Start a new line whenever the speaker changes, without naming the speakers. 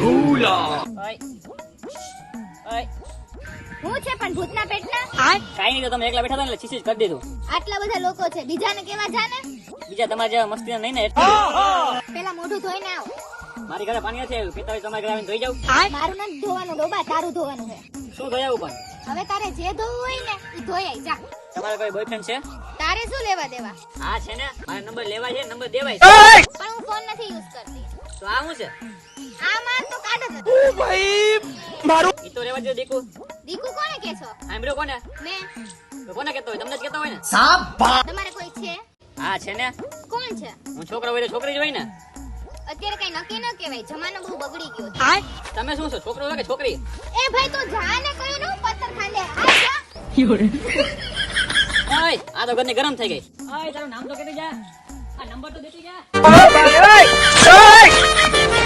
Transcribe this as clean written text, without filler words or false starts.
હું છે પણ ભૂતના પેટના
કાઈ નહીં તો તમે એકલા બેઠા હતા ને એટલે ચીસી જ કરી દીધું.
આટલા બધા લોકો છે બીજાને કેવા જાને
બીજા તમારા જેવા મસ્તી નહીં ને એટલે.
પેલા મોઢું ધોઈને આવ
મારી ઘરે પાણી નથી આવ્યું, પીતા હોય તમારે ઘરે આવીને ધોઈ જાવ.
મારું નથી ધોવાનું ડોબા તારું ધોવાનું છે
શું ધોઈ આવું પણ?
હવે તારે જે ધોવું હોય ને એ ધોઈ આઈ જા
તમારે કોઈ બોયફ્રેન્ડ છે?
તારે શું લેવા દેવા
હા છે ને, મારે નંબર લેવા છે, નંબર દેવાય છે.
પણ હું ફોન નથી યુઝ કરતી
તો આ શું છે?
આ માર તો કાઢ જ
ઈ તો રેવા દો દીકુ.
દીકુ કોને કે છો
સાંભળ્યો કોને?
મેં
તો કોને કહેતો હોય? તમને જ કહેતો હોય ને.
તમારે કોઈ છે
હા છે ને,
કોણ છે
હું છોકરો હોય તો છોકરી જ હોય ને.
અત્યારે કઈ નક્કી ન કહેવાય જમાનો બહુ બગડી ગયો છે
તમે શું છો, છોકરો હોય કે છોકરી?
એ ભાઈ તું જા ને કયું ને હું પથ્થર ખાંડે આ જા
ઓય, આ તો ઘરની ગરમ થઈ ગઈ. ઓય તારું નામ તો કહેતી જા, આ નંબર તો દેતી જા.